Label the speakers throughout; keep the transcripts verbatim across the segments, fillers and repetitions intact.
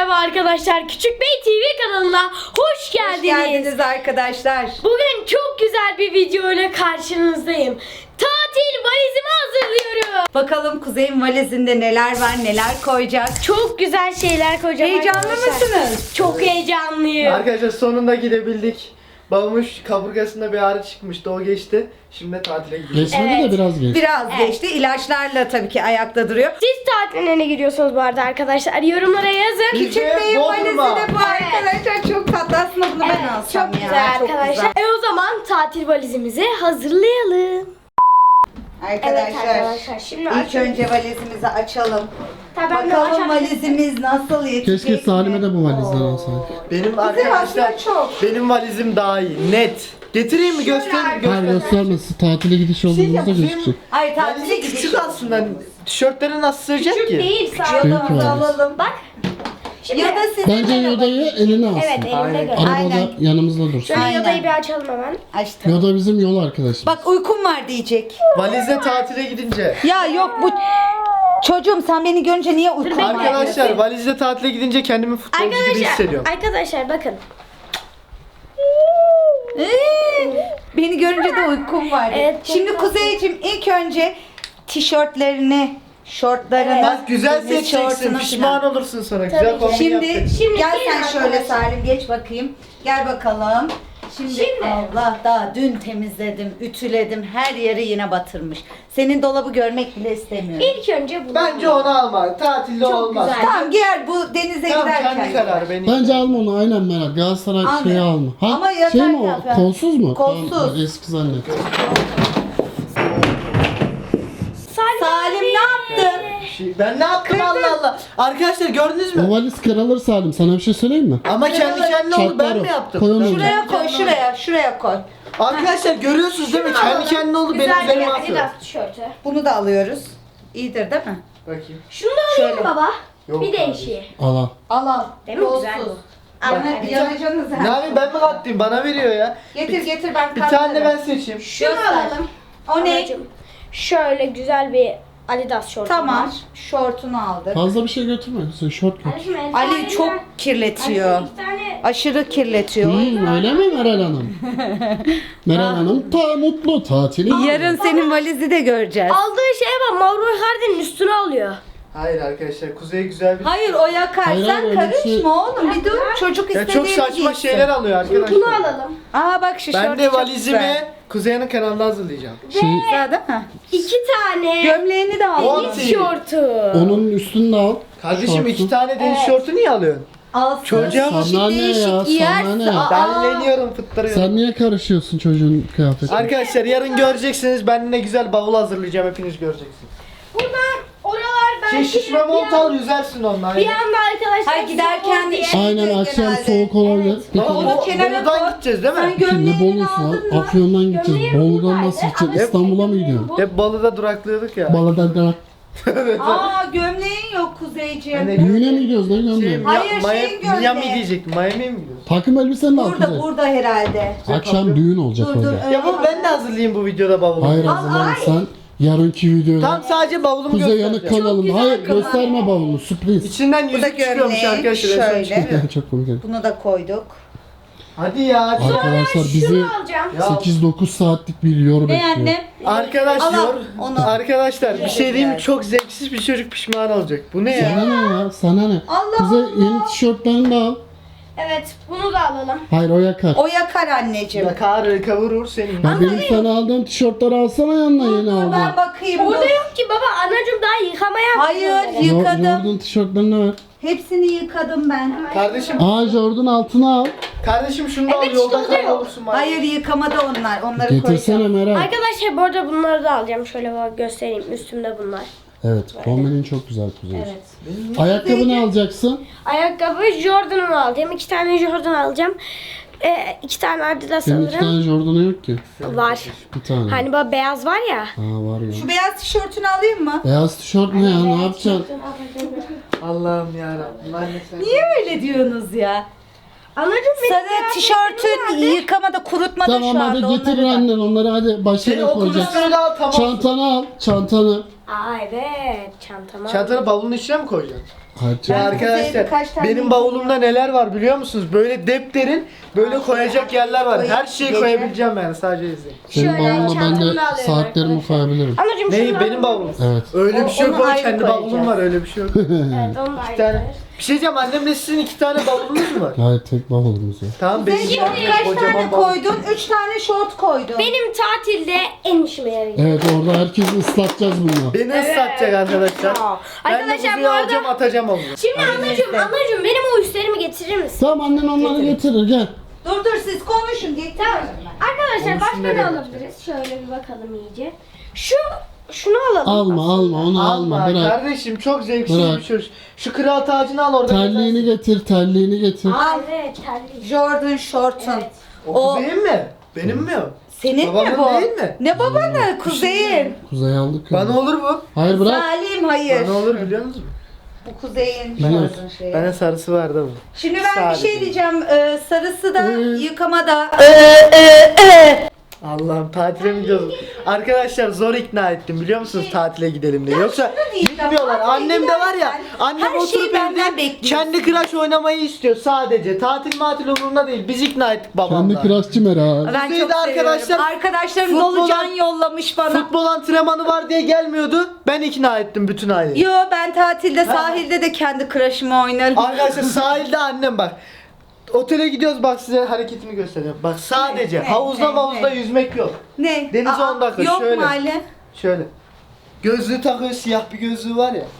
Speaker 1: merhaba arkadaşlar. Küçük Bey T V kanalına hoş geldiniz.
Speaker 2: Hoş geldiniz arkadaşlar.
Speaker 1: Bugün çok güzel bir video ile karşınızdayım. Tatil valizimi hazırlıyorum.
Speaker 2: Bakalım Kuzey'in valizinde neler var, neler koyacak.
Speaker 1: Çok güzel şeyler koyacağım.
Speaker 2: Heyecanlı
Speaker 1: arkadaşlar.
Speaker 2: mısınız?
Speaker 1: Çok heyecanlıyım.
Speaker 3: Arkadaşlar sonunda gidebildik. Babamın kaburgasında bir ağrı çıkmıştı, o geçti. Şimdi de tatile gidiyoruz.
Speaker 4: Geçmedi
Speaker 1: Evet.
Speaker 4: de biraz geç.
Speaker 2: Biraz
Speaker 1: Evet.
Speaker 2: geçti. İlaçlarla tabii ki ayakta duruyor.
Speaker 1: Siz tatiline ne gidiyorsunuz bu arada arkadaşlar? Yorumlara yazın.
Speaker 2: Küçük Bey'in valizi
Speaker 3: Bodrum'a.
Speaker 2: de bu arkadaşlar. Çok tatlı. Aslında bunu ben
Speaker 1: Evet,
Speaker 2: alsam
Speaker 1: çok
Speaker 2: ya.
Speaker 1: güzel
Speaker 2: Çok
Speaker 1: arkadaşlar.
Speaker 2: güzel.
Speaker 1: E o zaman tatil valizimizi hazırlayalım.
Speaker 2: Arkadaşlar,
Speaker 1: Evet arkadaşlar, şimdi
Speaker 2: ilk
Speaker 1: açalım.
Speaker 2: önce valizimizi açalım.
Speaker 1: Tabii ben de
Speaker 2: Bakalım
Speaker 1: açabilirim.
Speaker 2: valizimiz nasıl yetecek
Speaker 4: Keşke Salim'e
Speaker 2: mi?
Speaker 4: de bu valizden alsaydık.
Speaker 3: Benim
Speaker 2: aslında
Speaker 3: arkadaşlar,
Speaker 2: çok.
Speaker 3: benim valizim daha iyi, net. Getireyim mi? Göster,
Speaker 4: Hayır
Speaker 3: göster.
Speaker 4: göstermesi. Tatile gidiş
Speaker 3: Şey
Speaker 4: olduğumuzda
Speaker 3: yapayım.
Speaker 4: gözükecek.
Speaker 2: Ay tatile
Speaker 3: Valizim
Speaker 2: gidiş.
Speaker 3: küçük aslında. Tişörtleri nasıl sığacak
Speaker 1: Küçük
Speaker 3: ki?
Speaker 1: değil sağ
Speaker 4: Büyük
Speaker 2: Yodamızı
Speaker 4: valiz.
Speaker 2: alalım.
Speaker 1: Bak. Şimdi,
Speaker 2: Ya da sizin
Speaker 4: Bence Yoda'yı eline alsın.
Speaker 1: evet elimde
Speaker 3: Aynen.
Speaker 1: gör.
Speaker 4: Arabada
Speaker 2: Aynen.
Speaker 4: yanımızda dursun.
Speaker 1: Şöyle
Speaker 2: Aynen.
Speaker 1: yodayı bir açalım hemen.
Speaker 2: açtım.
Speaker 4: Yoda bizim yol arkadaşımız.
Speaker 2: Bak uykum var diyecek.
Speaker 3: Valizle tatile gidince.
Speaker 2: Ya yok bu çocuğum sen beni görünce niye uykun var?
Speaker 3: Arkadaşlar valizle tatile gidince kendimi futbolcu gibi
Speaker 1: Arkadaşlar,
Speaker 3: hissediyorum.
Speaker 1: arkadaşlar bakın.
Speaker 2: Ee, beni görünce de uykum var.
Speaker 1: Evet, çok
Speaker 2: Şimdi
Speaker 1: tatlı.
Speaker 2: Kuzeyciğim ilk önce tişörtlerini, şortlarını,
Speaker 3: Bak güzel
Speaker 2: tenis
Speaker 3: seçeceksin,
Speaker 2: şortunu
Speaker 3: pişman
Speaker 2: falan.
Speaker 3: olursun sonra.
Speaker 1: Tabii
Speaker 3: Güzel
Speaker 1: ki.
Speaker 3: kombin
Speaker 2: Şimdi,
Speaker 3: yapacaksın.
Speaker 1: Şimdi
Speaker 2: gel
Speaker 1: gelin
Speaker 2: sen şöyle
Speaker 1: arkadaşlar.
Speaker 2: Salim geç bakayım. Gel bakalım. Şimdi,
Speaker 1: Şimdi.
Speaker 2: Allah daha dün temizledim, ütüledim. Her yeri yine batırmış. Senin dolabı görmek bile istemiyorum.
Speaker 1: İlk önce bunu.
Speaker 3: Bence onu alma. Tatilde
Speaker 1: Çok
Speaker 3: olmaz.
Speaker 1: güzel.
Speaker 2: Tamam giyer bu denize
Speaker 3: Tamam,
Speaker 2: giderken.
Speaker 3: kendi
Speaker 2: giyer.
Speaker 3: kararı benim.
Speaker 4: Bence alma onu aynen Meral. Galatasaray
Speaker 2: Alma.
Speaker 4: şeyi alma. Ha,
Speaker 2: Ama yatak
Speaker 4: şey mi o?
Speaker 2: yapar.
Speaker 4: Kolsuz mu?
Speaker 2: Kolsuz.
Speaker 4: Tamam, ben eski zannettim.
Speaker 1: Salim,
Speaker 2: Salim ne yaptın?
Speaker 3: Şey, Ben ne yaptım Allah Allah. Arkadaşlar gördünüz mü?
Speaker 4: O valiz kırılır Salim. Sana bir şey söyleyeyim mi?
Speaker 3: Ama kendi kendine oldu, ben
Speaker 4: Çatlar o.
Speaker 3: mi yaptım?
Speaker 4: Koy onu
Speaker 3: Ben-
Speaker 4: oraya.
Speaker 2: Şuraya koy, şuraya, şuraya koy.
Speaker 3: Arkadaşlar görüyorsunuz değil mi? Kendi kendine oldu, benim
Speaker 1: Güzel bir
Speaker 3: üzerime atıyor.
Speaker 1: Adidas tişörtü.
Speaker 2: Bunu da alıyoruz. İyidir değil mi?
Speaker 3: Bakayım.
Speaker 1: Şunu da alayım
Speaker 2: Şöyle.
Speaker 1: baba.
Speaker 3: Yok
Speaker 1: bir
Speaker 3: abi.
Speaker 1: değişiği.
Speaker 4: Al al.
Speaker 2: Al al.
Speaker 1: Değil mi? Güzel
Speaker 2: Kolsuz.
Speaker 1: bu. Al,
Speaker 2: Bana
Speaker 1: evet.
Speaker 2: yanacaksınız
Speaker 3: Ne
Speaker 2: ha.
Speaker 3: yapayım, ben mi kattım? Bana veriyor ya.
Speaker 2: Getir getir ben
Speaker 3: Bir tane de ben seçeyim.
Speaker 1: Şunu
Speaker 2: Göster.
Speaker 1: alalım.
Speaker 2: O ne?
Speaker 1: Anacığım. Şöyle güzel bir Adidas şortum
Speaker 2: Tamam.
Speaker 1: var.
Speaker 2: Şortunu aldık.
Speaker 4: Fazla bir şey götürme. Sen şort götür.
Speaker 1: Anneciğim, el
Speaker 2: Ali
Speaker 1: tane
Speaker 2: çok
Speaker 1: ver.
Speaker 2: kirletiyor.
Speaker 1: Anneciğim, iki tane.
Speaker 2: Aşırı kirletiyor.
Speaker 4: Hmm, öyle mi Meral Hanım? Meral Hanım ta mutlu tatili.
Speaker 2: Yarın senin valizi de göreceğiz.
Speaker 1: Aldığı şeye bak, Mauro Icardi'nin üstüne alıyor.
Speaker 3: Hayır arkadaşlar, Kuzey güzel bir...
Speaker 2: Hayır o yakar.
Speaker 4: Hayır,
Speaker 2: Sen
Speaker 4: hayır, öyle
Speaker 2: karışma
Speaker 4: bir şey-
Speaker 2: oğlum. Bir dur. Çocuk
Speaker 3: Ya
Speaker 2: istediğini
Speaker 3: çok saçma
Speaker 2: giysin.
Speaker 3: şeyler alıyor arkadaşlar.
Speaker 1: Bunu alalım.
Speaker 2: Aa bak şu
Speaker 3: Ben
Speaker 2: şort
Speaker 3: de
Speaker 2: çok
Speaker 3: valizimi
Speaker 2: güzel.
Speaker 3: Kuzey'in kanalında hazırlayacağım.
Speaker 4: Şey,
Speaker 2: Güzel değil mi?
Speaker 1: İki tane.
Speaker 2: Gömleğini de al.
Speaker 3: On-
Speaker 1: Deniz şortu.
Speaker 4: onun üstünü de al.
Speaker 3: Kardeşim
Speaker 4: Şortu.
Speaker 3: iki tane deniz şortu niye alıyorsun?
Speaker 2: Alsın.
Speaker 3: Çocuğa bak.
Speaker 4: Sana ne ya,
Speaker 2: Değişik
Speaker 4: sana
Speaker 2: giyersin.
Speaker 4: ne?
Speaker 2: Aa.
Speaker 3: Derleniyorum, fıttırıyorum.
Speaker 4: Sen niye karışıyorsun çocuğun kıyafetine?
Speaker 3: Arkadaşlar yarın göreceksiniz, ben ne güzel bavul hazırlayacağım, hepiniz göreceksiniz.
Speaker 1: Buradan oralar
Speaker 3: Şey
Speaker 1: belki
Speaker 3: şişme mont al, yüzersin onunla.
Speaker 1: bir anda arkadaşlar.
Speaker 2: Hayır, giderken
Speaker 1: soğuk
Speaker 2: de
Speaker 1: diye.
Speaker 2: işe-
Speaker 4: Aynen akşam
Speaker 2: genelde.
Speaker 4: soğuk olabilir. Peki,
Speaker 3: Ama
Speaker 2: Onu
Speaker 3: o,
Speaker 2: kenara
Speaker 3: Bolu'dan
Speaker 2: koy.
Speaker 3: gideceğiz değil
Speaker 2: Sen
Speaker 3: mi?
Speaker 4: şimdi
Speaker 2: gömleğini
Speaker 4: Bolu'su
Speaker 2: aldın
Speaker 4: var.
Speaker 2: mı?
Speaker 4: Afyon'dan gideceğiz.
Speaker 1: Gömleğim
Speaker 4: Bolu'dan
Speaker 1: buradaydı
Speaker 4: nasıl gideceğiz?
Speaker 1: ama
Speaker 4: İstanbul'a mı
Speaker 1: gömleğim
Speaker 4: gidiyorsun?
Speaker 1: bu.
Speaker 3: Hep Balı'da duraklıyorduk ya.
Speaker 4: Balı'dan da
Speaker 2: Aa gömleğin yok Kuzeyciğim.
Speaker 3: Yani-
Speaker 4: düğüne mi gidiyoruz? Ne
Speaker 3: Şey,
Speaker 4: gömleği?
Speaker 2: Hayır,
Speaker 3: Mia-
Speaker 2: şeyin
Speaker 3: Mia- Miami
Speaker 2: gömleği.
Speaker 3: diyecektim. Miami'ye mi gidiyoruz?
Speaker 4: Takım elbisen de al
Speaker 2: Burada
Speaker 4: Kuzey.
Speaker 2: burada herhalde.
Speaker 4: Akşam düğün olacak
Speaker 2: Dur dur.
Speaker 4: orada.
Speaker 2: öyle
Speaker 3: Ya bu
Speaker 2: bak.
Speaker 3: ben de hazırlayayım bu videoda bavulu.
Speaker 4: Hayır
Speaker 2: Al,
Speaker 4: hazırlanırsan yarınki videoda
Speaker 3: Tam sadece bavulumu
Speaker 4: Kuzey Yanık
Speaker 3: göstereceğim.
Speaker 4: kanalında.
Speaker 2: güzel
Speaker 4: Hayır
Speaker 2: kanal.
Speaker 4: gösterme bavulunu sürpriz.
Speaker 3: İçinden
Speaker 2: Bu da
Speaker 3: yüzük çıkıyormuş
Speaker 2: gömlek,
Speaker 3: arkadaşlar. en son
Speaker 2: şöyle.
Speaker 3: çıkıyor.
Speaker 4: Çok komik.
Speaker 2: Bunu da koyduk.
Speaker 3: Hadi ya. hadi.
Speaker 4: Arkadaşlar bizi
Speaker 1: Şunu alacağım.
Speaker 3: Ya,
Speaker 4: sekiz dokuz saatlik bir yor
Speaker 2: Ne
Speaker 4: bekliyor.
Speaker 2: annem?
Speaker 3: Arkadaş
Speaker 2: Al, al,
Speaker 3: yor.
Speaker 2: onu.
Speaker 3: Arkadaşlar bir şey diyeyim mi?
Speaker 2: Güzel.
Speaker 3: Çok zevksiz bir çocuk pişman olacak. Bu ne ya?
Speaker 4: Sana ne ya? Sana ne?
Speaker 2: Allah
Speaker 4: Kuzey
Speaker 2: Allah.
Speaker 4: yeni tişörtlerini de al.
Speaker 1: Evet, bunu da alalım.
Speaker 4: Hayır o yakar.
Speaker 2: O yakar anneciğim.
Speaker 3: Ya kar kavurur senin.
Speaker 4: Ya benim sana aldığım tişörtleri alsana yanına yeni
Speaker 2: Ben
Speaker 4: aldığım.
Speaker 2: bakayım.
Speaker 1: Burada
Speaker 2: dur.
Speaker 1: yok ki baba, anacığım daha yıkamaya
Speaker 2: Hayır,
Speaker 1: yapıyor.
Speaker 2: yık-
Speaker 4: Yo-
Speaker 2: yıkadım.
Speaker 4: Jordan tişörtlerini ver.
Speaker 2: Hepsini yıkadım ben.
Speaker 3: Kardeşim,
Speaker 4: Aa Jordan altına al.
Speaker 3: kardeşim şunu da al,
Speaker 1: Evet,
Speaker 3: yolda
Speaker 1: işte o da yok.
Speaker 3: kaybolursun bari.
Speaker 2: Hayır yıkamada onlar. Onları
Speaker 4: Getirsene
Speaker 2: koyacağım.
Speaker 4: Meral.
Speaker 1: Arkadaşlar bu arada bunları da alacağım. Şöyle bak göstereyim. Üstümde bunlar.
Speaker 4: Evet kombinin çok güzel Kuzey.
Speaker 1: Evet.
Speaker 4: Ayakkabı ne alacaksın?
Speaker 1: Ayakkabı Jordan'ımı alacağım. İki tane Jordan alacağım. Ee, iki tane Adidas
Speaker 4: Senin iki
Speaker 1: alırım.
Speaker 4: tane Jordan'ı yok ki.
Speaker 1: Var.
Speaker 4: Bir tane.
Speaker 1: Hani böyle beyaz var ya.
Speaker 4: Ha var ya.
Speaker 2: Şu beyaz tişörtünü alayım mı?
Speaker 4: Beyaz tişört ne ya? Ne yapacaksın?
Speaker 3: Allah'ım yarabbim. Anne sen.
Speaker 2: Niye öyle diyorsunuz ya?
Speaker 1: Anacığım benim
Speaker 2: Sarı tişörtün yıkamada kurutmada
Speaker 4: Tamam
Speaker 2: şu
Speaker 4: hadi
Speaker 2: anda.
Speaker 4: getir
Speaker 2: onları da.
Speaker 4: annen onları hadi
Speaker 3: Seni
Speaker 4: başına
Speaker 3: okul
Speaker 4: koyacaksın.
Speaker 3: üstüne al, tamam.
Speaker 4: Çantanı al. Çantanı.
Speaker 1: Aa evet, çantama.
Speaker 3: Çantanı bavulun içine mi koyacaksın?
Speaker 4: Harca.
Speaker 3: Ya
Speaker 2: Ben
Speaker 3: arkadaşlar
Speaker 2: kuzeye birkaç tane
Speaker 3: benim bavulumda neler var biliyor musunuz? Böyle depterin böyle koyacak yerler var. Her şeyi
Speaker 2: Gece.
Speaker 3: koyabileceğim yani, sadece izleyin.
Speaker 4: Senin
Speaker 1: Şöyle
Speaker 4: bavuluna ben
Speaker 1: çantamı
Speaker 4: de
Speaker 1: alıyorum
Speaker 4: saatlerimi
Speaker 1: arkadaşlar.
Speaker 4: koyabilirim.
Speaker 1: Anacığım
Speaker 3: Ne
Speaker 1: şunu
Speaker 3: benim
Speaker 1: alır
Speaker 3: bavulum?
Speaker 1: mısın?
Speaker 4: Evet.
Speaker 3: Öyle
Speaker 2: O-
Speaker 3: bir şey yok
Speaker 2: onu
Speaker 3: baba,
Speaker 2: ayrı
Speaker 3: kendi
Speaker 2: koyacağız.
Speaker 3: bavulum var, öyle bir şey yok.
Speaker 1: Evet onu da
Speaker 3: İki tane.
Speaker 1: ayrı.
Speaker 3: Bir şey diyeceğim, annemle sizin iki tane bavulunuz mu var?
Speaker 4: Hayır, tek bavulumuz var.
Speaker 3: Tamam, benim
Speaker 2: Peki
Speaker 3: var,
Speaker 2: kaç
Speaker 3: kocaman
Speaker 2: tane
Speaker 3: bavul.
Speaker 2: koydun? Üç tane şort koydun.
Speaker 1: Benim tatilde en işime yarayacak.
Speaker 4: Evet, orada herkesi ıslatacağız bunu.
Speaker 3: Beni ıslatacak arkadaşlar.
Speaker 1: Aa,
Speaker 3: Ben de
Speaker 1: Arkadaşlar bu
Speaker 3: buzuyu
Speaker 1: arada
Speaker 3: alacağım, atacağım onu.
Speaker 1: şimdi anacığım anacığım benim o üstlerimi getirir misin?
Speaker 4: Tamam, annen onları getirir, gel.
Speaker 2: Dur dur siz konuşun.
Speaker 1: Tamam. Arkadaşlar
Speaker 3: Onu
Speaker 1: başka
Speaker 3: şimdi
Speaker 1: ne
Speaker 3: nereye
Speaker 1: alabiliriz? Şöyle bir bakalım iyice. Şu şunu alalım.
Speaker 4: Alma alma onu alma,
Speaker 3: Alma
Speaker 4: bırak.
Speaker 3: kardeşim, çok zevksiz
Speaker 4: Bırak.
Speaker 3: bir çocuk. Şu kral tacını al orada.
Speaker 4: Terliğini getir, terliğini getir.
Speaker 1: Aa, evet terlik.
Speaker 2: Jordan şortun.
Speaker 1: Evet.
Speaker 3: O
Speaker 2: O
Speaker 3: kuzeyin mi? Benim mi o?
Speaker 2: senin
Speaker 3: Babamın
Speaker 2: mi bu?
Speaker 3: değil mi?
Speaker 2: Ne babanı? Kuzeyin.
Speaker 4: Kuzey aldık ya.
Speaker 3: Bana olur bu.
Speaker 4: Hayır, bırak.
Speaker 2: Salim hayır.
Speaker 3: Bana olur biliyor musunuz?
Speaker 2: Bu kuzeyin
Speaker 4: Biliyoruz.
Speaker 2: şortun şeyi.
Speaker 3: Bana sarısı vardı bu.
Speaker 2: Şimdi ben
Speaker 3: Sadece.
Speaker 2: bir şey diyeceğim. Ee, sarısı da
Speaker 4: Ee.
Speaker 2: yıkamada.
Speaker 3: Allah'ım, tatile mi gidiyoruz? Arkadaşlar zor ikna ettim biliyor musunuz tatile gidelim diye. Yoksa
Speaker 2: şunu diyeceğim,
Speaker 3: gitmiyorlar.
Speaker 2: tatile
Speaker 3: Annem de var ya.
Speaker 2: giderken
Speaker 3: Annem
Speaker 2: her şeyi
Speaker 3: oturup
Speaker 2: benden
Speaker 3: evde
Speaker 2: bekliyorsun.
Speaker 3: kendi Crash oynamayı istiyor sadece. Tatil matil umurunda değil. Biz ikna ettik
Speaker 4: Kendi
Speaker 3: babamla.
Speaker 4: kıraççı Meral.
Speaker 2: Ben
Speaker 3: Kuzeyde
Speaker 2: çok
Speaker 3: arkadaşlar,
Speaker 2: seviyorum. Arkadaşlarım
Speaker 3: futbola-
Speaker 2: dolucan yollamış bana.
Speaker 3: Futbol antrenmanı var diye gelmiyordu. Ben ikna ettim bütün aileyi.
Speaker 2: Yo ben tatilde sahilde de kendi crush'ımı oynarım.
Speaker 3: Arkadaşlar sahilde annem bak. Otele gidiyoruz, bak size hareketimi göstereceğim. Bak sadece
Speaker 2: Ne,
Speaker 3: havuzda
Speaker 2: ne,
Speaker 3: havuzda
Speaker 2: ne?
Speaker 3: yüzmek yok.
Speaker 2: Ne?
Speaker 3: Denize
Speaker 2: Aa,
Speaker 3: on dakika,
Speaker 2: yok
Speaker 3: şöyle.
Speaker 2: mu Ali?
Speaker 3: Şöyle. Gözlüğü takıyor, siyah bir gözlüğü var ya.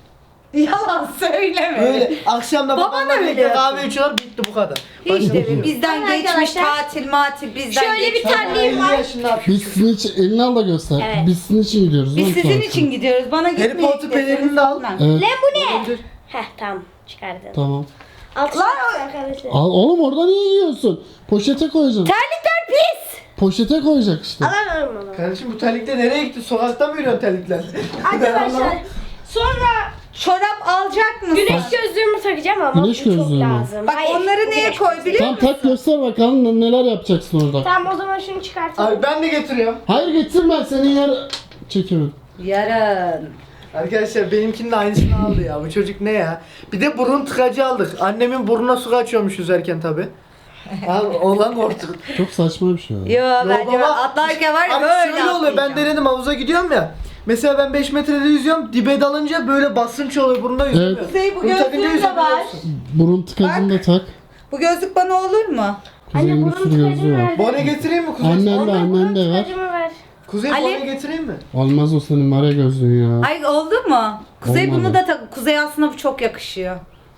Speaker 2: Yalan söyleme.
Speaker 3: Böyle akşamda
Speaker 2: Baban
Speaker 3: babamla
Speaker 2: öyle
Speaker 3: birlikte
Speaker 2: yapıyor.
Speaker 3: kahve içiyorlar, bitti bu kadar.
Speaker 2: Hiç
Speaker 3: Başka
Speaker 2: de
Speaker 3: bir şey yok.
Speaker 2: bizden
Speaker 1: Arkadaşlar,
Speaker 2: geçmiş tatil matil bizden
Speaker 1: şöyle bir
Speaker 2: geçmiş.
Speaker 1: terliğim
Speaker 3: elli
Speaker 1: var.
Speaker 3: yaşında yapıyor.
Speaker 4: Biz sizin için, elini al da göster.
Speaker 1: Evet.
Speaker 4: Biz sizin için gidiyoruz.
Speaker 2: Biz
Speaker 4: oğlum
Speaker 2: sizin
Speaker 4: tatile.
Speaker 2: için gidiyoruz. Bana gitmeye
Speaker 3: Harry Potter
Speaker 2: gideseniz
Speaker 3: pelerini de al.
Speaker 2: gitmem.
Speaker 4: Evet,
Speaker 1: Lan bu ne? Heh tamam çıkardım.
Speaker 4: tamam.
Speaker 1: Altı
Speaker 2: Lan
Speaker 1: şarkı arkadaşlar.
Speaker 4: Al oğlum, orada niye yiyorsun? Poşete koyacaksın.
Speaker 2: Terlikler pis.
Speaker 4: Poşete koyacak işte.
Speaker 1: Alamıyorum onu.
Speaker 3: Kardeşim bu terlikle nereye gitti? Sokakta mı yürüyorsun terlikler?
Speaker 1: Arkadaşlar sonra
Speaker 2: Çorap alacak mısın?
Speaker 1: güneş gözlüğümü takacağım ama
Speaker 4: Güneş
Speaker 1: bu çok
Speaker 4: gözlüğü mü?
Speaker 1: lazım.
Speaker 2: Bak
Speaker 1: Hayır,
Speaker 2: onları
Speaker 1: bu
Speaker 2: neye
Speaker 1: güneş
Speaker 2: koy
Speaker 1: gözlüğü.
Speaker 2: biliyor
Speaker 4: Tamam,
Speaker 2: musun?
Speaker 4: tak göster bakalım neler yapacaksın orada.
Speaker 1: Tamam o zaman şunu çıkartalım.
Speaker 3: Abi ben de getiriyorum.
Speaker 4: Hayır, getirme, senin yer çekiyorum.
Speaker 2: Yarın.
Speaker 3: Arkadaşlar benimkinin de aynısını aldı ya. Bu çocuk ne ya? Bir de burun tıkacı aldık. Annemin burnuna su kaçıyormuş yüzerken tabi. Al olan korktuk.
Speaker 4: Çok saçma bir şey. o.
Speaker 2: Yo, bence
Speaker 3: baba,
Speaker 2: atlarken var ya
Speaker 3: Abi
Speaker 2: böyle
Speaker 3: şöyle oluyor, ben
Speaker 2: atlayacağım.
Speaker 3: denedim, havuza gidiyorum ya. Mesela ben beş metrede yüzüyorum, dibe dalınca böyle basınç oluyor, burnuna yüzemiyor.
Speaker 2: Kuzey, bu
Speaker 3: Bunu takınca
Speaker 2: gözlüğün de
Speaker 3: yüzemiyorsun.
Speaker 2: var.
Speaker 4: Burun tıkacını da tak.
Speaker 2: Bu gözlük bana olur mu?
Speaker 4: Kuzey'in bir
Speaker 1: burun
Speaker 4: sürü gözlüğü
Speaker 1: tıkacını
Speaker 4: var.
Speaker 1: ver.
Speaker 3: Bone getireyim mi Kuzey?
Speaker 4: Annen de, annen de ver.
Speaker 1: Tıkacımı ver.
Speaker 3: Kuzey
Speaker 2: Ali.
Speaker 3: bone getireyim mi?
Speaker 4: Olmaz o senin mara gözlüğün ya.
Speaker 2: Ay oldu mu? Kuzey
Speaker 4: Olmadı.
Speaker 2: bunu da tak. Kuzey aslında bu çok yakışıyor.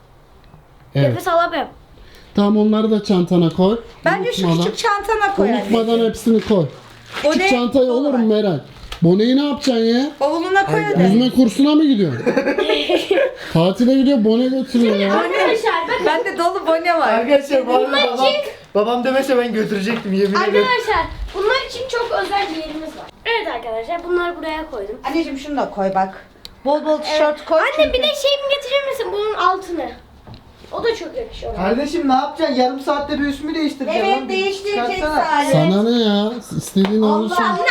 Speaker 4: Evet.
Speaker 1: Nefes alamıyorum.
Speaker 4: Tamam, onları da çantana koy.
Speaker 2: Bence şu
Speaker 4: Unutmadan-
Speaker 2: küçük çantana koy.
Speaker 4: Unutmadan
Speaker 2: anneciğim.
Speaker 4: hepsini koy. Küçük
Speaker 2: Bone
Speaker 4: çantayı
Speaker 2: dolu
Speaker 4: olur
Speaker 2: var.
Speaker 4: mu Meral? Boneyi ne yapacaksın ya?
Speaker 2: Bavuluna koy hadi.
Speaker 4: Yüzme kursuna mı gidiyorsun? Tatile gidiyor, bone götürüyor ya.
Speaker 1: Arkadaşlar bakın.
Speaker 2: Bende dolu bone var.
Speaker 3: Arkadaşlar bu arada babam, babam demese ben götürecektim yemin ederim.
Speaker 1: Arkadaşlar bunlar için çok özel bir yerimiz var. Evet arkadaşlar bunları buraya koydum.
Speaker 2: Anneciğim şunu da koy bak. Bol bol tişört koy.
Speaker 1: Anne bir
Speaker 2: çünkü-
Speaker 1: de şeyimi getirir misin bunun altını? O da çok yakışıyor.
Speaker 3: Kardeşim ne yapacaksın? Yarım saatte bir üstümü değiştireceğim.
Speaker 2: Evet
Speaker 3: lan.
Speaker 2: değiştirecek
Speaker 3: Çıkartsana.
Speaker 2: Salim.
Speaker 4: Sana ne ya? İstediğin olursun.
Speaker 2: Allah.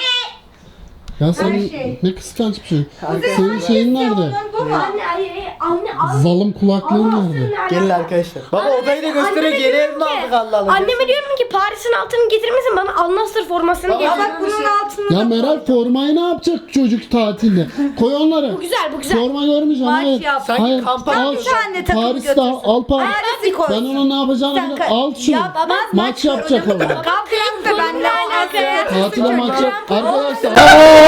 Speaker 4: Ya senin
Speaker 2: şey.
Speaker 4: ne kıskanç bir şey.
Speaker 3: Arkadaşlar,
Speaker 4: Senin şeyin nerede?
Speaker 2: Onun bu mu?
Speaker 1: Anne hayır hayır anne al.
Speaker 4: Zalım kulaklığın
Speaker 1: Al,
Speaker 4: nerede?
Speaker 1: al, al.
Speaker 3: Gelin arkadaşlar. Baba
Speaker 1: Anneme-
Speaker 3: odayı da gösteriyor.
Speaker 1: anneme
Speaker 3: Yeni
Speaker 1: diyorum
Speaker 3: ev mi
Speaker 1: ki-
Speaker 3: aldık Allah Allah.
Speaker 1: Anneme diyorum ki Paris'in altını getirmesin bana Al Nassr formasını
Speaker 3: Baba,
Speaker 1: getir.
Speaker 2: Ya bak bunun altını
Speaker 4: Ya
Speaker 2: da
Speaker 4: Meral, formayı ne yapacak çocuk tatilde? Koy onları.
Speaker 1: Bu güzel bu güzel.
Speaker 4: Forma görmeyeceğim.
Speaker 2: Maç
Speaker 4: Hayır.
Speaker 2: yap.
Speaker 3: Sanki
Speaker 4: Hayır.
Speaker 3: kampanya
Speaker 4: Al.
Speaker 3: yapıyorsun.
Speaker 2: Anne takımı
Speaker 4: Paris'te
Speaker 2: götürsün.
Speaker 4: al Paris.
Speaker 2: Paris'i koy.
Speaker 4: Ben onun ne yapacağını
Speaker 2: Sen
Speaker 4: biliyorum.
Speaker 2: ka-
Speaker 4: Al şunu.
Speaker 2: Ya baba,
Speaker 4: Maç
Speaker 2: maç
Speaker 4: yapacak
Speaker 2: var.
Speaker 4: orada.
Speaker 2: Kalk kalk da benimle alakası.
Speaker 4: Tatile maç yap. Arkadaşlar.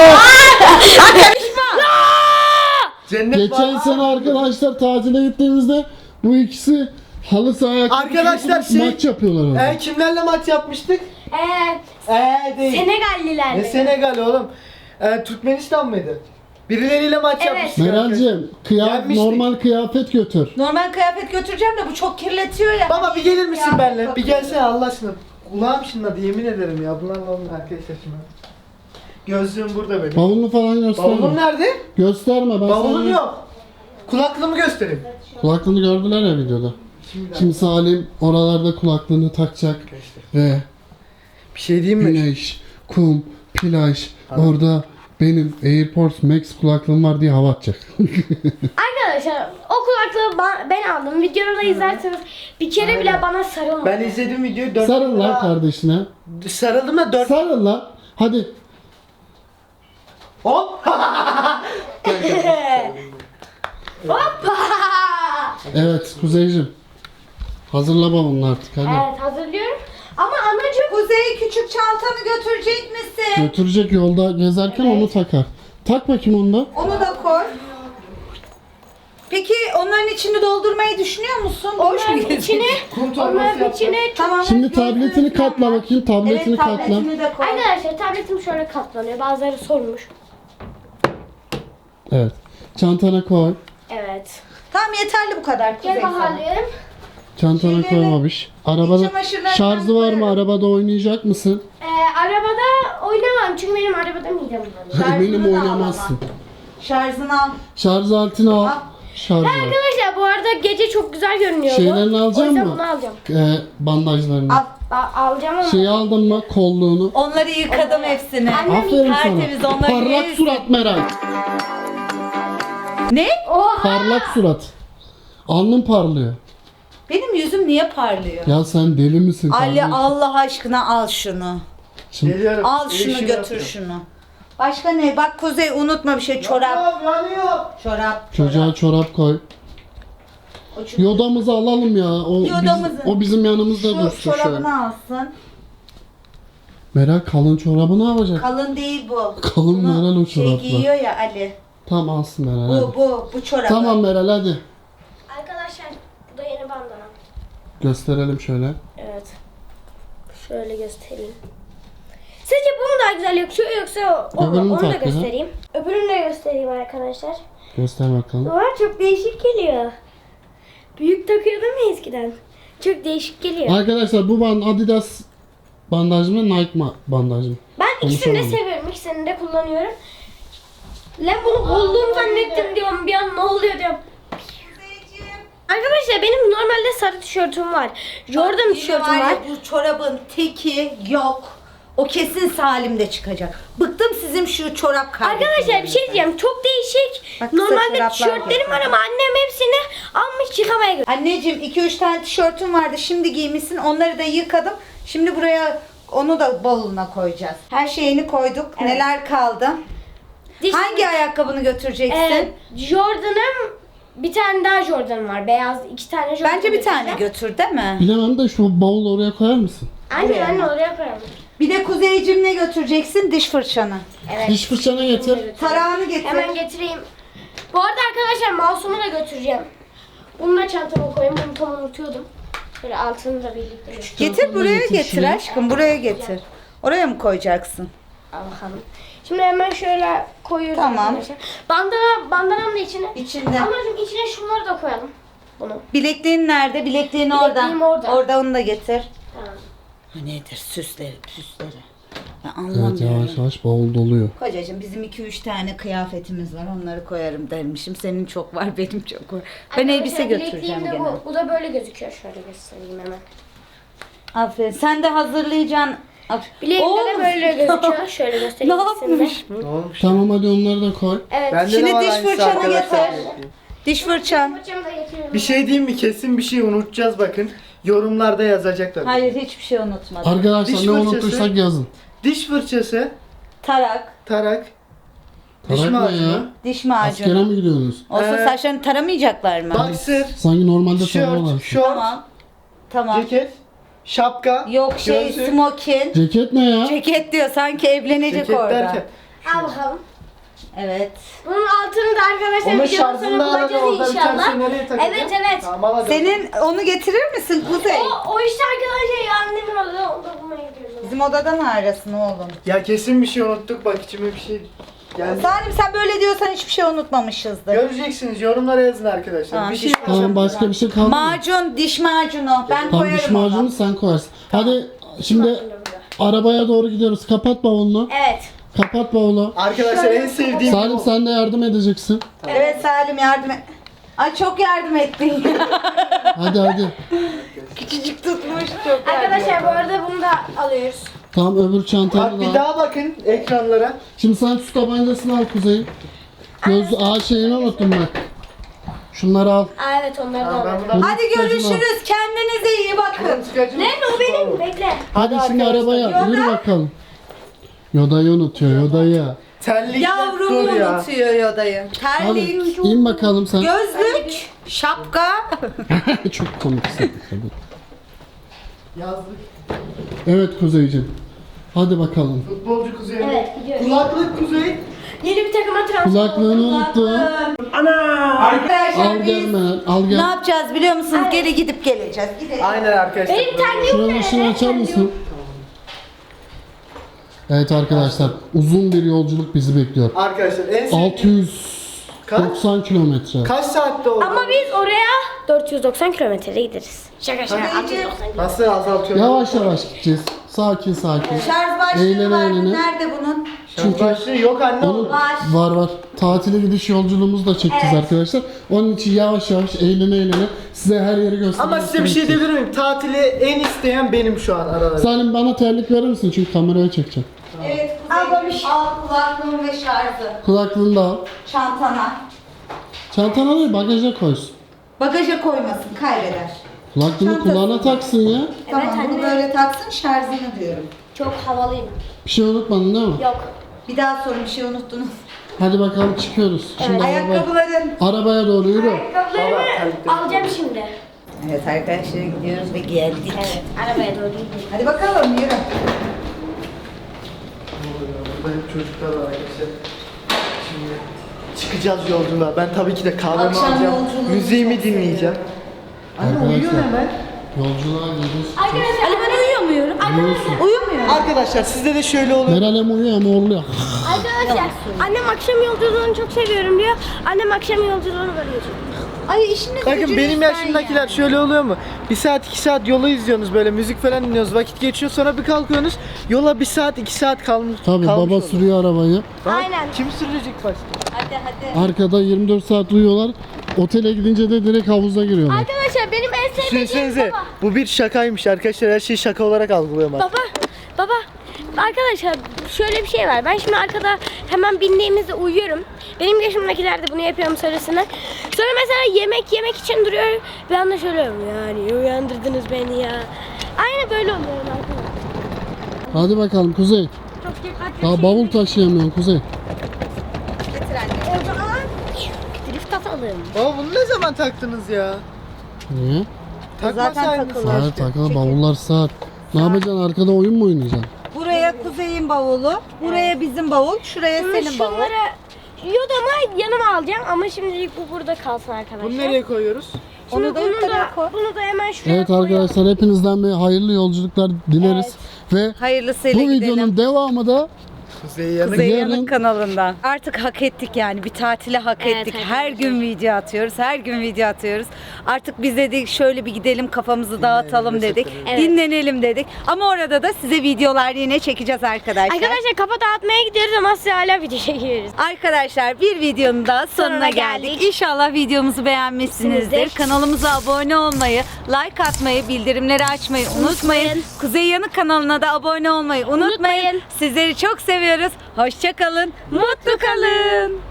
Speaker 3: Cennet
Speaker 4: Geçen
Speaker 3: var.
Speaker 4: sene arkadaşlar tatile gittiğimizde bu ikisi halı sahaya
Speaker 3: Arkadaşlar şey-
Speaker 4: maç yapıyorlar orada.
Speaker 3: E, kimlerle maç yapmıştık?
Speaker 1: Ee,
Speaker 3: Eee değil.
Speaker 1: Senegallilerle.
Speaker 3: Ne Senegal oğlum? E, Türkmenistan mıydı? Birileriyle maç
Speaker 1: Evet.
Speaker 3: yapmıştık.
Speaker 4: Meral'cim, kıyaf,
Speaker 3: Yenmiştik.
Speaker 4: normal kıyafet götür.
Speaker 2: Normal kıyafet götüreceğim de bu çok kirletiyor ya.
Speaker 3: Baba bir gelir misin
Speaker 2: Ya,
Speaker 3: benimle? Bir
Speaker 2: bakın.
Speaker 3: gelsene Allah aşkına. Kulağım şınladı yemin ederim ya. Bunlarla olmuyor arkadaşlar şimdi. Gözlüğüm burada benim.
Speaker 4: Bavulunu falan gösterme.
Speaker 3: Bavulum nerede?
Speaker 4: Gösterme, ben
Speaker 3: Bavulum
Speaker 4: sana
Speaker 3: yok. Kulaklığımı göstereyim.
Speaker 4: kulaklığını gördüler ya videoda.
Speaker 3: Şimdi,
Speaker 4: Şimdi Salim oralarda kulaklığını takacak ve
Speaker 3: bir şey diyeyim mi?
Speaker 4: güneş, kum, plaj, orada benim AirPods Max kulaklığım var diye hava atacak.
Speaker 1: Arkadaşlar o kulaklığı ba- ben aldım. Videomu da izlerseniz bir kere bile bana sarılmadı.
Speaker 3: Ben izledim videoyu. dört
Speaker 4: Sarıl lan kardeşine.
Speaker 3: Sarıldım da dört.
Speaker 4: Sarıl lan. Hadi.
Speaker 3: Hop.
Speaker 1: Hoppa!
Speaker 4: Evet Kuzeyciğim. Hazırla bavulunu artık hadi.
Speaker 1: Evet hazırlıyorum. Ama anacığım
Speaker 2: Kuzey küçük çantanı götürecek misin?
Speaker 4: Götürecek yolda gezerken onu takar. Tak bakayım onu da.
Speaker 2: Onu da koy. Peki onların içini doldurmayı düşünüyor musun? Boş mu
Speaker 1: onların içine,
Speaker 3: Kum torbası
Speaker 1: onların
Speaker 3: yaptım.
Speaker 1: içine
Speaker 2: Tamam.
Speaker 4: Şimdi tabletini katla bakayım. Tabletini
Speaker 2: Evet
Speaker 4: katla.
Speaker 2: tabletini de koy.
Speaker 1: Arkadaşlar tabletim şöyle katlanıyor. Bazıları sormuş.
Speaker 4: Evet. Çantana koy.
Speaker 1: Evet.
Speaker 2: Tamam yeterli bu kadar Kuzey
Speaker 1: Gel
Speaker 2: sana.
Speaker 1: bakalım.
Speaker 4: Çantana
Speaker 2: Şeyleri-
Speaker 4: koymamış. Arabada
Speaker 2: çamaşırlarından
Speaker 4: şarjı var mı?
Speaker 2: koyarım.
Speaker 4: Arabada oynayacak mısın?
Speaker 1: Ee, arabada oynamam çünkü benim arabada midem bulanıyor.
Speaker 4: Eminim
Speaker 2: da al
Speaker 4: oynamazsın.
Speaker 2: Şarjını al.
Speaker 4: Şarj aletini al.
Speaker 2: Al.
Speaker 4: Şarj al.
Speaker 1: Arkadaşlar bu arada gece çok güzel görünüyor bu.
Speaker 4: Şeylerini
Speaker 1: O
Speaker 4: alacak
Speaker 1: yüzden
Speaker 4: mı?
Speaker 1: bunu alacağım.
Speaker 4: Ee, bandajlarını.
Speaker 2: Al.
Speaker 1: A- alacağım ama.
Speaker 4: Şeyi aldın mı? Kolluğunu.
Speaker 2: Onları yıkadım hepsini.
Speaker 1: Annem
Speaker 4: Aferin
Speaker 2: tertemiz,
Speaker 4: sana.
Speaker 2: onları
Speaker 4: Parlak
Speaker 2: yersin.
Speaker 4: surat Meral.
Speaker 2: Ne?
Speaker 1: Oha!
Speaker 4: Parlak surat. Alnın parlıyor.
Speaker 2: Benim yüzüm niye parlıyor?
Speaker 4: Ya sen deli misin?
Speaker 2: Ali
Speaker 4: kardeşim?
Speaker 2: Allah aşkına al şunu.
Speaker 4: Şimdi
Speaker 3: Geliyorum.
Speaker 2: Al şunu
Speaker 3: İşimi
Speaker 2: götür
Speaker 3: yapıyorum.
Speaker 2: şunu. Başka ne? Bak Kuzey unutma bir şey. Çorap.
Speaker 3: Yanıyor, yanıyor.
Speaker 2: Çorap.
Speaker 4: çocuğa çorap koy.
Speaker 2: O çünkü-
Speaker 4: Yodamızı alalım ya. O, biz-
Speaker 2: Yodamızı.
Speaker 4: o bizim yanımızda
Speaker 2: Şu
Speaker 4: dursun şöyle.
Speaker 2: çorabını alsın.
Speaker 4: Meral kalın çorabı ne yapacak?
Speaker 2: Kalın değil bu.
Speaker 4: Kalın
Speaker 2: Bunu
Speaker 4: Meral o
Speaker 2: şey
Speaker 4: çorapla.
Speaker 2: giyiyor ya Ali.
Speaker 4: Tamam alsın Meral
Speaker 2: Bu
Speaker 4: hadi.
Speaker 2: bu bu çorabı.
Speaker 4: Tamam Meral hadi.
Speaker 1: Arkadaşlar bu da yeni bandana.
Speaker 4: Gösterelim şöyle.
Speaker 1: Evet. Şöyle göstereyim. Sizce bu mu daha güzel yakışıyor yoksa o mu?
Speaker 4: Öbürünü
Speaker 1: Onu da
Speaker 4: tak ya.
Speaker 1: göstereyim. Öbürünü de göstereyim arkadaşlar.
Speaker 4: Göster bakalım.
Speaker 1: Var çok değişik geliyor. Büyük takıyordum ya eskiden. Çok değişik geliyor.
Speaker 4: Arkadaşlar bu band Adidas bandaj mı Nike ma- bandaj mı?
Speaker 1: Ben ikisini de
Speaker 4: Konuşamadım.
Speaker 1: seviyorum. İkisini de kullanıyorum. Lan bunu kolluğum zannettim diyorum. Bir an ne oluyor diyorum. Arkadaşlar benim normalde sarı tişörtüm var. Jordan
Speaker 2: Yine
Speaker 1: tişörtüm
Speaker 2: ya,
Speaker 1: var.
Speaker 2: Bu çorabın teki yok. O kesin Salim'de çıkacak. Bıktım sizin şu çorap kardeşlerinizden.
Speaker 1: Arkadaşlar bir şey diyeceğim. Çok değişik.
Speaker 2: Bak, kısa
Speaker 1: Normalde
Speaker 2: çoraplar
Speaker 1: tişörtlerim var ama annem hepsini almış yıkamaya götürdü.
Speaker 2: Anneciğim iki üç tane tişörtüm vardı. Şimdi giymişsin. Onları da yıkadım. Şimdi buraya onu da bavuluna koyacağız. Her şeyini koyduk.
Speaker 1: Evet.
Speaker 2: Neler kaldı?
Speaker 1: Diş-
Speaker 2: Hangi ayakkabını götüreceksin?
Speaker 1: Ee, Jordan'ım bir tane daha Jordan'ım var. Beyaz iki tane Jordan.
Speaker 2: Bence bir tane
Speaker 1: götüreceğim.
Speaker 2: götür değil mi?
Speaker 4: Bilemem de şu bavulu oraya koyar mısın?
Speaker 1: Anne
Speaker 2: Buraya
Speaker 1: anne
Speaker 2: mı?
Speaker 1: oraya koyalım.
Speaker 2: Bir de Kuzeyciğim ne götüreceksin? Diş fırçanı.
Speaker 1: Evet.
Speaker 4: Diş fırçanı getir.
Speaker 2: Tarağını getir.
Speaker 1: Hemen getireyim. Bu arada arkadaşlar mouse'umu da götüreceğim. Bunu da çantama koyayım. Bunu tam unutuyordum. Böyle altını da birlikte götüreyim.
Speaker 2: Getir
Speaker 4: Çantanı
Speaker 2: buraya
Speaker 4: getir
Speaker 2: getir
Speaker 4: şuraya.
Speaker 2: aşkım. Buraya getir. Oraya mı koyacaksın?
Speaker 1: Al bakalım. Şimdi hemen şöyle koyuyoruz
Speaker 2: Tamam.
Speaker 1: arkadaşlar. Bandana, bandanam da içine.
Speaker 2: İçinde.
Speaker 1: Amacım içine şunları da koyalım. Bunu.
Speaker 2: Bilekliğin nerede? Bilekliğin orada.
Speaker 1: Bilekliğim orada.
Speaker 2: Orada onu da getir.
Speaker 1: Tamam.
Speaker 2: Ha nedir? Süsleri, süsleri. Ya
Speaker 4: Evet
Speaker 2: anlamıyorum.
Speaker 4: yavaş yavaş bavul doluyor.
Speaker 2: Kocacığım bizim iki üç tane kıyafetimiz var. Onları koyarım dermişim. Senin çok var, benim çok var. Ben
Speaker 1: Arkadaşlar,
Speaker 2: elbise götüreceğim
Speaker 1: bilekliğim de
Speaker 2: gene.
Speaker 1: bu. Bu da böyle gözüküyor. Şöyle göstereyim hemen.
Speaker 2: Aferin. Sen de hazırlayacaksın. Aferin.
Speaker 1: Bileğimde
Speaker 2: Oğlum,
Speaker 1: de böyle gözüküyor. Şöyle
Speaker 2: Ne
Speaker 1: göstereyim ikisini de.
Speaker 2: yapmış?
Speaker 3: Ne olmuş?
Speaker 4: Tamam hadi onları da koy.
Speaker 1: Evet.
Speaker 3: Bende
Speaker 2: Şimdi
Speaker 3: de var
Speaker 2: diş
Speaker 3: aynısı
Speaker 2: fırçanı
Speaker 3: arkadaşlar.
Speaker 2: getir. Diş fırçan.
Speaker 1: Fırçamı da getiriyorum.
Speaker 3: Bir şey diyeyim mi? Kesin bir şey unutacağız bakın. Yorumlarda yazacaklar.
Speaker 2: Hayır hiçbir şey unutmadım.
Speaker 4: Arkadaşlar
Speaker 3: Diş
Speaker 4: ne
Speaker 3: fırçası.
Speaker 4: unuttuysak yazın.
Speaker 3: Diş fırçası,
Speaker 2: Tarak,
Speaker 3: tarak, diş
Speaker 4: Tarak ne
Speaker 3: macunu,
Speaker 4: ya?
Speaker 2: diş
Speaker 4: Askere
Speaker 2: macunu.
Speaker 4: mi gidiyorsunuz?
Speaker 2: Olsa
Speaker 3: Ee,
Speaker 2: saçlarını taramayacaklar mı?
Speaker 3: boxer,
Speaker 4: Sanki normalde tarıyorlar.
Speaker 3: şort, şort,
Speaker 2: Tamam. Tamam.
Speaker 3: ceket, şapka,
Speaker 2: Yok şey
Speaker 3: gözlük,
Speaker 2: smokin.
Speaker 4: Ceket ne ya?
Speaker 2: Ceket diyor sanki evlenecek
Speaker 3: ceket
Speaker 2: orada.
Speaker 3: derken.
Speaker 1: Al bakalım.
Speaker 2: Evet.
Speaker 1: Bunun altını da arkadaşlar
Speaker 3: Onun
Speaker 1: videonun
Speaker 3: şarjını
Speaker 1: sonra
Speaker 3: da arada
Speaker 1: bulacağız
Speaker 3: orada bir
Speaker 1: inşallah.
Speaker 3: tanesi nereye takacağım?
Speaker 1: Evet evet.
Speaker 3: Tamam, al hadi.
Speaker 2: Senin onu getirir misin Kuzey?
Speaker 1: O, o işte arkadaşlar ya annemin odada onu bulmaya gidiyoruz.
Speaker 2: Bizim odada ne arasın oğlum?
Speaker 3: Ya kesin bir şey unuttuk bak içime bir şey geldi.
Speaker 2: Salim sen böyle diyorsan hiçbir şey unutmamışızdır.
Speaker 3: Göreceksiniz yorumlara yazın arkadaşlar.
Speaker 2: Tamam,
Speaker 3: bir şey
Speaker 2: diş
Speaker 4: Tamam başka bir şey kaldı mı?
Speaker 2: Macun, diş macunu. Ben
Speaker 4: Tamam
Speaker 2: koyarım
Speaker 4: diş macunu
Speaker 2: onu.
Speaker 4: sen koyarsın. Hadi şimdi arabaya doğru gidiyoruz. Kapat bavulunu.
Speaker 1: Evet.
Speaker 4: Kapat bavulu.
Speaker 3: Arkadaşlar en sevdiğim
Speaker 4: Salim
Speaker 3: bu.
Speaker 4: sen de yardım edeceksin.
Speaker 2: Evet Salim yardım et. Ay çok yardım ettin.
Speaker 4: Hadi hadi.
Speaker 2: Küçücük tutmuş çok yardım
Speaker 1: Arkadaşlar
Speaker 2: ettin.
Speaker 1: bu arada bunu da alıyoruz.
Speaker 4: Tamam öbür çantanı
Speaker 3: Bak
Speaker 4: da
Speaker 3: bir
Speaker 4: al.
Speaker 3: daha bakın ekranlara.
Speaker 4: Şimdi sen su tabancasını al Kuzey. Göz ağ şeyini unuttum bak. Şunları al.
Speaker 1: Aa, evet onları da
Speaker 3: Ben
Speaker 1: aldım.
Speaker 3: bunu...
Speaker 2: Hadi görüşürüz. Kendinize iyi bakın.
Speaker 1: Nerede o benim? Bekle.
Speaker 4: Hadi şimdi
Speaker 3: arkadaşlar,
Speaker 4: arabaya yürü bakalım. Yoda'yı unutuyor Yoda'yı.
Speaker 3: Terlikle
Speaker 2: Yavrumu
Speaker 3: dur ya.
Speaker 2: unutuyor Yoda'yı.
Speaker 4: Hadi
Speaker 2: Terlik,
Speaker 4: in bakalım sen.
Speaker 2: gözlük, şapka.
Speaker 4: Çok komiksin.
Speaker 3: Yazlık.
Speaker 4: Evet Kuzeyciğim. Hadi bakalım.
Speaker 3: Futbolcu Kuzey.
Speaker 1: Evet, gidiyoruz.
Speaker 3: Kulaklık Kuzey.
Speaker 1: Yeni bir takıma transfer
Speaker 4: Kulaklığını
Speaker 1: oldum.
Speaker 4: unuttu.
Speaker 2: Arkadaşlar
Speaker 4: Al
Speaker 2: biz
Speaker 4: gel Meral, al
Speaker 2: ne
Speaker 4: gel.
Speaker 2: yapacağız biliyor musunuz? Geri gidip geleceğiz. Gidelim.
Speaker 3: Aynen arkadaşlar.
Speaker 1: Benim terliğim
Speaker 4: Şuranın
Speaker 1: nerede?
Speaker 4: ışığını açar mısın? Evet arkadaşlar uzun bir yolculuk bizi bekliyor.
Speaker 3: Arkadaşlar en sevdiğim...
Speaker 4: altı yüz doksan kilometre.
Speaker 3: Kaç saatte oldu?
Speaker 1: Ama biz oraya dört yüz doksan kilometre gideriz. Şaka şaka.
Speaker 2: Hadi
Speaker 1: altı yüz doksan kilometre.
Speaker 3: Nasıl azaltıyor?
Speaker 4: Yavaş yavaş gideceğiz. Sakin sakin.
Speaker 2: Şarj başlığı
Speaker 4: Eğlene
Speaker 2: var mı?
Speaker 4: eğlene.
Speaker 2: Nerede bunun?
Speaker 3: Çünkü başlığı yok anne
Speaker 4: Onun
Speaker 3: oğlum.
Speaker 2: Var.
Speaker 4: var var. Tatile gidiş yolculuğumuzu da çekeceğiz arkadaşlar. Onun için yavaş yavaş eğlene eğlene size her yeri göstermek
Speaker 3: Ama size bir şey
Speaker 4: istiyorum.
Speaker 3: diyebilir miyim? Tatili en isteyen benim şu an aralarında.
Speaker 4: Salim bana terlik verir misin? Çünkü kameraya çekeceğim.
Speaker 2: Evet Kuzey. Al kulaklığımı ve şarjı.
Speaker 4: Kulaklığını da al.
Speaker 2: Çantana.
Speaker 4: Çantana değil bagaja koysun.
Speaker 2: Bagaja koymasın, kaybeder.
Speaker 4: Kulaklığını
Speaker 2: Çantası.
Speaker 4: kulağına taksın ya.
Speaker 2: Tamam
Speaker 1: anne.
Speaker 2: bunu böyle taksın, şarjını diyorum.
Speaker 1: Çok havalıyım.
Speaker 4: Bir şey unutmadın değil mi?
Speaker 1: Yok.
Speaker 2: Bir daha sorun, bir şey unuttunuz.
Speaker 4: Hadi bakalım çıkıyoruz. Şimdi arabaya,
Speaker 2: Ayakkabıların.
Speaker 4: arabaya doğru yürü.
Speaker 1: Ayakkabılarımı
Speaker 3: terlikleri.
Speaker 1: alacağım şimdi.
Speaker 2: Evet arkadaşlar gidiyoruz ve geldik.
Speaker 1: Evet. Arabaya doğru gidiyorum.
Speaker 2: Hadi bakalım yürü.
Speaker 3: Burada hep çocuklar var arkadaşlar. Şimdi çıkacağız yolculuğa. Ben tabii ki de kahvemi
Speaker 2: Akşam
Speaker 3: alacağım.
Speaker 2: yolculuğunu
Speaker 3: Müziğimi
Speaker 2: çok
Speaker 3: dinleyeceğim. Anne
Speaker 4: Arkadaşlar.
Speaker 3: uyuyor hemen.
Speaker 4: Yolculuğa gidiyoruz.
Speaker 1: Arkadaşlar. Ali ben uyuyamıyorum.
Speaker 4: Uyuyorsun.
Speaker 2: Uyumuyor.
Speaker 3: Arkadaşlar sizde de şöyle oluyor.
Speaker 4: Meral hem uyuyor hem horluyor.
Speaker 1: Arkadaşlar. Annem akşam yolculuğunu çok seviyorum diyor. Annem akşam yolculuğunu böyle
Speaker 2: Ay işiniz
Speaker 3: Bakın
Speaker 2: gücünüz
Speaker 3: benim
Speaker 2: ben
Speaker 3: yaşımdakiler
Speaker 2: ya.
Speaker 3: şöyle oluyor mu? Bir saat iki saat yolu izliyorsunuz böyle müzik falan dinliyorsunuz vakit geçiyor sonra bir kalkıyorsunuz yola bir saat iki saat kalmış.
Speaker 4: Tabii
Speaker 3: kalmış
Speaker 4: baba
Speaker 3: oluyor.
Speaker 4: sürüyor arabayı.
Speaker 3: Bak,
Speaker 1: Aynen.
Speaker 3: Kim sürecek başta?
Speaker 2: Hadi hadi.
Speaker 4: Arkada yirmi dört saat uyuyorlar. Otele gidince de direkt havuza giriyorlar.
Speaker 1: Arkadaşlar benim en sevdiğim
Speaker 3: Düşünsenize
Speaker 1: baba.
Speaker 3: bu bir şakaymış arkadaşlar her şeyi şaka olarak algılıyorum artık.
Speaker 1: Baba, baba. Arkadaşlar şöyle bir şey var. Ben şimdi arkada hemen bindiğimizde uyuyorum. Benim yaşımdakiler de bunu yapıyorum söylesinler. Sonra mesela yemek yemek için duruyor. Bir anda şöyle yani uyandırdınız beni ya. Aynı böyle oluyorum arkadaşlar.
Speaker 4: Hadi bakalım Kuzey.
Speaker 1: Çok dikkatli.
Speaker 4: Daha bavul taşıyamıyorsun Kuzey.
Speaker 2: Getir anne.
Speaker 1: O zaman drift atalım.
Speaker 3: Baba bunu ne zaman taktınız ya?
Speaker 4: Niye?
Speaker 3: Takmasaydınız.
Speaker 2: takılı.
Speaker 4: Hayır takılı bavullar saat. Ne yapacaksın arkada oyun mu oynayacaksın?
Speaker 2: Buraya Kuzey'in bavulu, buraya bizim bavul, şuraya
Speaker 1: Şimdi
Speaker 2: senin bavul.
Speaker 1: şunları yodama yanıma alacağım ama şimdilik bu burada kalsın arkadaşlar.
Speaker 3: Bunu nereye koyuyoruz?
Speaker 1: Şimdi
Speaker 2: Onu da
Speaker 1: bunu
Speaker 2: yukarıya
Speaker 1: da,
Speaker 2: koy.
Speaker 1: bunu da hemen şuraya
Speaker 4: Evet
Speaker 1: koyuyorum.
Speaker 4: arkadaşlar hepinizden bir hayırlı yolculuklar dileriz. Ve
Speaker 2: Hayırlısıyla
Speaker 4: bu
Speaker 2: gidelim.
Speaker 4: videonun devamı da
Speaker 3: Kuzey yanık.
Speaker 2: Kuzey
Speaker 4: Yarın-
Speaker 2: Yanık kanalında. Artık hak ettik yani. Bir tatile hak
Speaker 1: Evet,
Speaker 2: ettik.
Speaker 1: hak
Speaker 2: Her
Speaker 1: ettik.
Speaker 2: gün video atıyoruz. Her gün video atıyoruz. Artık biz dedik şöyle bir gidelim kafamızı dağıtalım dedik.
Speaker 1: Evet.
Speaker 2: Dinlenelim dedik. Ama orada da size videolar yine çekeceğiz arkadaşlar.
Speaker 1: Arkadaşlar kafa dağıtmaya gidiyoruz ama size hala video çekiyoruz.
Speaker 2: Arkadaşlar bir videonun da sonuna,
Speaker 1: Sonuna
Speaker 2: geldik.
Speaker 1: geldik.
Speaker 2: İnşallah videomuzu beğenmişsinizdir.
Speaker 1: Sinizdir.
Speaker 2: Kanalımıza abone olmayı, like atmayı, bildirimleri açmayı unutmayın.
Speaker 1: Unutmayın.
Speaker 2: Kuzey Yanık kanalına da abone olmayı unutmayın.
Speaker 1: Unutmayın.
Speaker 2: Sizleri çok seviyoruz. Hoşça kalın. Mutlu kalın.